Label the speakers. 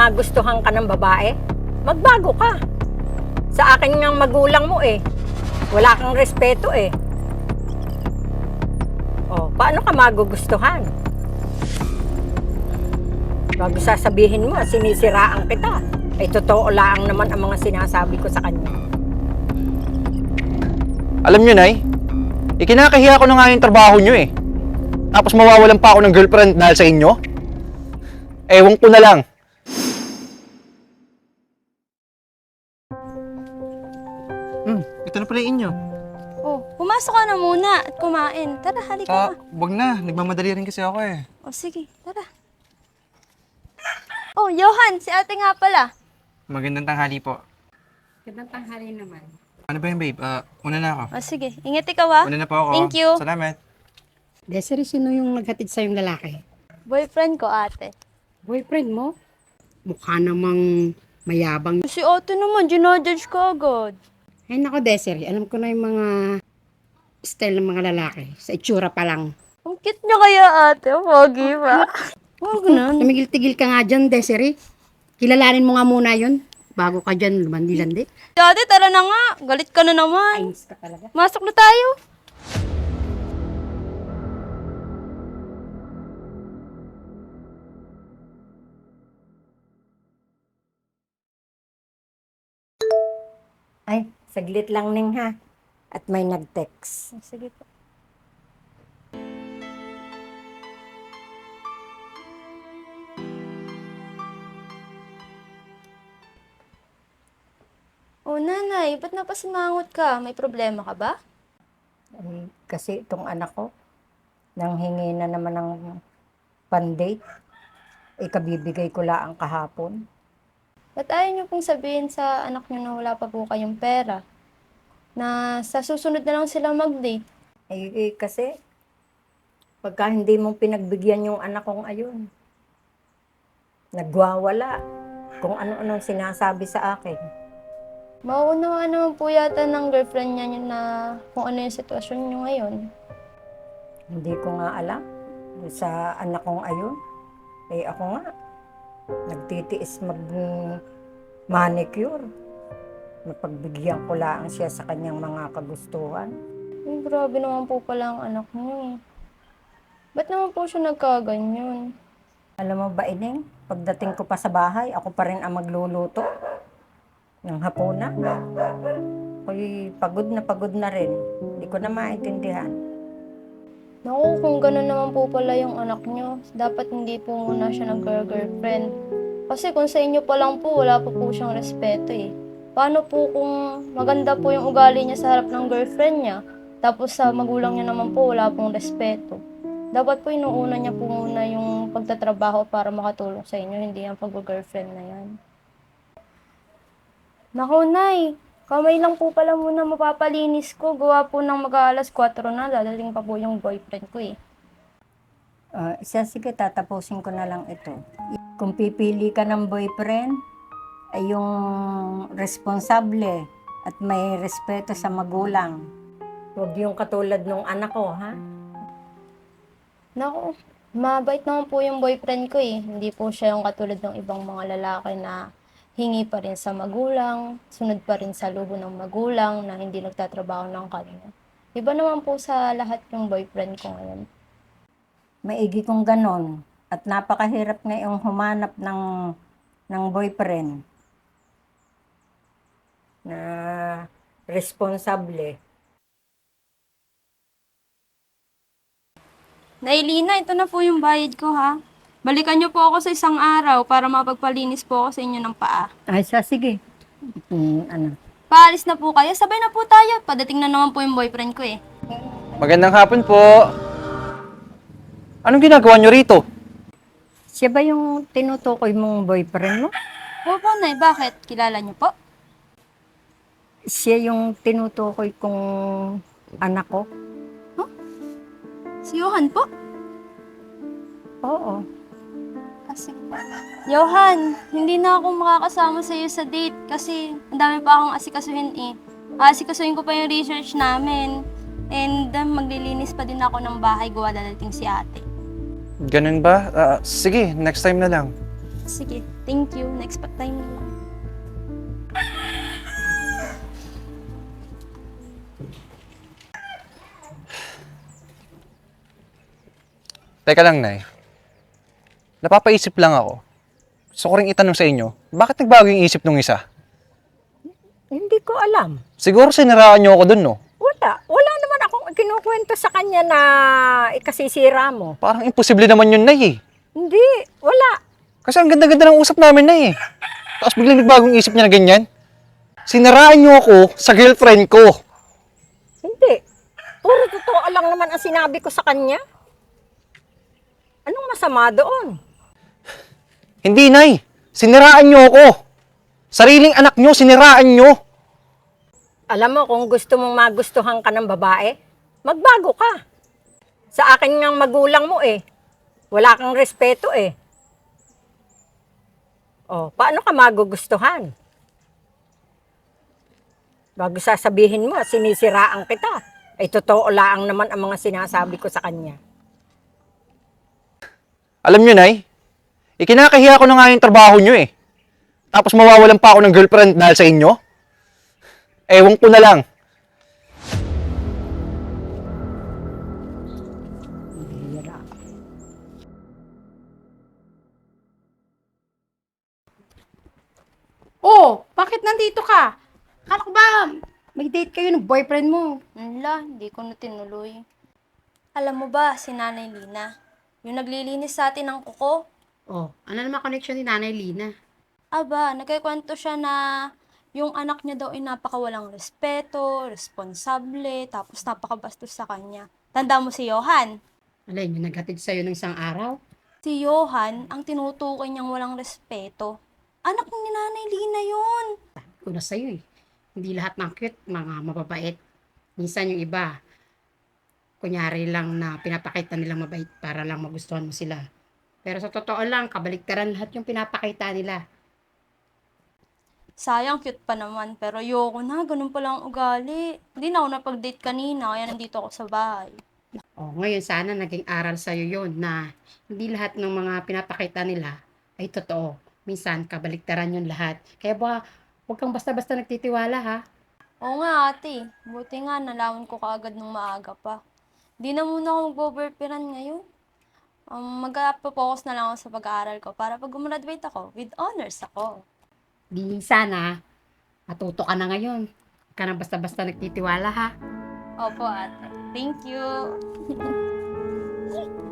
Speaker 1: magustuhan ka ng babae, magbago ka. Sa akin ngang magulang mo wala kang respeto Oh, paano ka magugustuhan? Bago sasabihin mo, sinisiraan kita. Ay totoo lang naman ang mga sinasabi ko sa kanya.
Speaker 2: Alam nyo, Nay, ikinakahiya ko na nga yung trabaho nyo Tapos mawawalan pa ako ng girlfriend dahil sa inyo? Ewan ko na lang. Ito na pala yung inyo.
Speaker 3: Oh, pumasok ka na muna at kumain. Tara, halika na.
Speaker 2: Wag na. Nagmamadali rin kasi ako
Speaker 3: Oh, sige, tara. Oh, Johan, si ate nga pala.
Speaker 2: Magandang tanghali po.
Speaker 1: Magandang tanghali naman.
Speaker 2: Ano ba yung babe? Una na ako.
Speaker 3: Oh, sige, ingat ikaw ha.
Speaker 2: Una na po ako.
Speaker 3: Thank you.
Speaker 2: Salamat.
Speaker 4: Desiree, sino yung naghatid sa yung lalaki?
Speaker 3: Boyfriend ko, ate.
Speaker 4: Boyfriend mo? Mukha namang mayabang.
Speaker 3: Si ate naman, ginodjudge ko agad.
Speaker 4: Ay nako, Desiree, alam ko na yung mga style ng mga lalaki. Sa itsura pa lang.
Speaker 3: Ang cute niya kaya, ate. Pogi pa.
Speaker 4: Huwag na. Tumigil-tigil ka nga dyan, Desiree. Kilalanin mo nga muna yun. Bago ka dyan, lumandi-landi.
Speaker 3: Ate, tara na nga. Galit ka na naman.
Speaker 4: Ayos ka talaga.
Speaker 3: Masok na tayo.
Speaker 1: Ay, saglit lang ning ha. At may nag-text.
Speaker 3: Sige po. Oh, nanay, ba't napasimangot ka? May problema ka ba?
Speaker 1: Ay, kasi itong anak ko, nanghingi na naman ng pan-date. Ikabibigay ko lang kahapon.
Speaker 3: Ba't ayaw niyo pong sabihin sa anak niyo na wala pa po kayong pera? Na sa susunod na lang sila mag-date?
Speaker 1: Kasi, pagka hindi mo pinagbigyan yung anak kong ayun, nagwawala kung ano-anong sinasabi sa akin.
Speaker 3: Mauunawaan naman po yata ng girlfriend niya na kung ano yung sitwasyon niyo ngayon.
Speaker 1: Hindi ko nga alam sa anak kong ayun. Ako nga, nagtitiis mag-manicure. Mapagbigyan ko lang siya sa kanyang mga kagustuhan.
Speaker 3: Ay, grabe naman po pala ang anak niyo. Ba't naman po siya nagkaganyan?
Speaker 1: Alam mo ba, Ining, pagdating ko pa sa bahay, ako pa rin ang magluluto ng hapunan. Ako'y pagod na rin. Hindi ko na maintindihan.
Speaker 3: Naku, kung gano'n naman po pala yung anak niyo, dapat hindi po muna siya nag-girlfriend. Kasi kung sa inyo pa lang po, wala pa po siyang respeto Paano po kung maganda po yung ugali niya sa harap ng girlfriend niya, tapos sa magulang niya naman po, wala pong respeto. Dapat po inuuna niya po muna yung pagtatrabaho para makatulong sa inyo, hindi ang pag-girlfriend na yan. Naku, Nay, kamay lang po pala muna mapapalinis ko. Gawa po ng mag-aalas 4 na, dadating pa po yung boyfriend ko
Speaker 1: Sige, tatapusin ko na lang ito. Kung pipili ka ng boyfriend, ay yung responsable at may respeto sa magulang. Huwag yung katulad nung anak ko, ha?
Speaker 3: Naku, mabait naman po yung boyfriend ko Hindi po siya yung katulad ng ibang mga lalaki na hingi pa rin sa magulang, sunod pa rin sa luho ng magulang na hindi nagtatrabaho ng kanya. Iba naman po sa lahat yung boyfriend ko ngayon.
Speaker 1: Maigi kong ganon. At napakahirap ngayong humanap ng boyfriend na responsable.
Speaker 3: Nailina, ito na po yung bayad ko ha. Balikan niyo po ako sa isang araw para mapagpalinis po ako sa inyo ng paa.
Speaker 1: Ay, sige.
Speaker 3: Paalis na po kayo, sabay na po tayo. Padating na naman po yung boyfriend ko
Speaker 2: Magandang hapon po. Anong ginagawa nyo rito?
Speaker 1: Siya ba yung tinutukoy mong boyfriend mo?
Speaker 3: Opo, Nay, bakit? Kilala niyo po?
Speaker 1: Siya yung tinutukoy kong anak ko?
Speaker 3: Si Johan po?
Speaker 1: Oo.
Speaker 3: Kasi Johan, hindi na ako makakasama sa iyo sa date kasi ang dami pa akong asikasuhin Asikasuhin ko pa yung research namin. And maglilinis pa din ako ng bahay gawa dadating si ate.
Speaker 2: Ganun ba? Sige, next time na lang.
Speaker 3: Sige. Thank you. Na-expect time mo lang.
Speaker 2: Teka lang, Nay. Napapaisip lang ako. Gusto ko rin itanong sa inyo, bakit nagbago yung isip nung isa?
Speaker 1: Hindi ko alam.
Speaker 2: Siguro siniraan niyo ako dun, no?
Speaker 1: Wala naman akong kinukwento sa kanya na ikasisira mo.
Speaker 2: Parang imposible naman yun, Nay, eh.
Speaker 1: Hindi, wala.
Speaker 2: Kasi ang ganda-ganda ng usap namin, Nay, eh. Tapos biglang nagbagong isip niya na ganyan. Siniraan niyo ako sa girlfriend ko.
Speaker 1: Hindi. Puro totoo lang naman ang sinabi ko sa kanya. Anong masama doon?
Speaker 2: Hindi, Nay. Siniraan niyo ako. Sariling anak niyo, siniraan niyo.
Speaker 1: Alam mo, kung gusto mong magustuhan ka ng babae, magbago ka. Sa akin ngang magulang mo eh. Wala kang respeto eh. Oh, paano ka magugustuhan? Bago sasabihin mo, sinisiraan kita. Ay totoo lang naman ang mga sinasabi ko sa kanya.
Speaker 2: Alam niyo, Nay, ikinakahiya ko na nga yung trabaho niyo, eh. Tapos mawawalan pa ako ng girlfriend dahil sa inyo? Ewan ko na lang.
Speaker 4: Oh, bakit nandito ka? Kala ko ba may date kayo ng boyfriend mo?
Speaker 3: Wala, hindi ko na tinuloy. Alam mo ba, si Nanay Lina, yung naglilinis sa atin ng kuko,
Speaker 4: Oh, ano naman connection ni Nanay Lina?
Speaker 3: aba, nagkikwento siya na yung anak niya daw ay napakawalang respeto, responsable, tapos napakabastos sa kanya. Tanda mo si Johan?
Speaker 4: Alay, yung naghatid sa'yo ng isang araw?
Speaker 3: Si Johan, ang tinutukoy niyang walang respeto. Anak ni Nanay Lina yun.
Speaker 4: Una sa'yo eh. Hindi lahat ng cute, mga mababait. Minsan yung iba, kunyari lang na pinapakita nilang mabait para lang magustuhan mo sila. Pero sa totoo lang, kabaligtaran lahat yung pinapakita nila.
Speaker 3: Sayang, cute pa naman. Pero ayoko na, ganun pala ang ugali. Hindi na ako napag-date kanina, kaya nandito ako sa bahay.
Speaker 4: Oh, ngayon sana naging aral sa'yo yon na hindi lahat ng mga pinapakita nila ay totoo. Minsan, kabaligtaran yun lahat. Kaya ba, huwag kang basta-basta nagtitiwala ha.
Speaker 3: Oo nga ate, buti nga nalaman ko kaagad nung maaga pa. Di na muna ako mag-boyfriend ngayon. Mag-focus na lang ako sa pag-aaral ko para pag gumraduate ako, with honors ako.
Speaker 4: Di sana, matuto ka na ngayon. Huwag ka nang basta-basta nagtitiwala ha.
Speaker 3: Opo ate, thank you.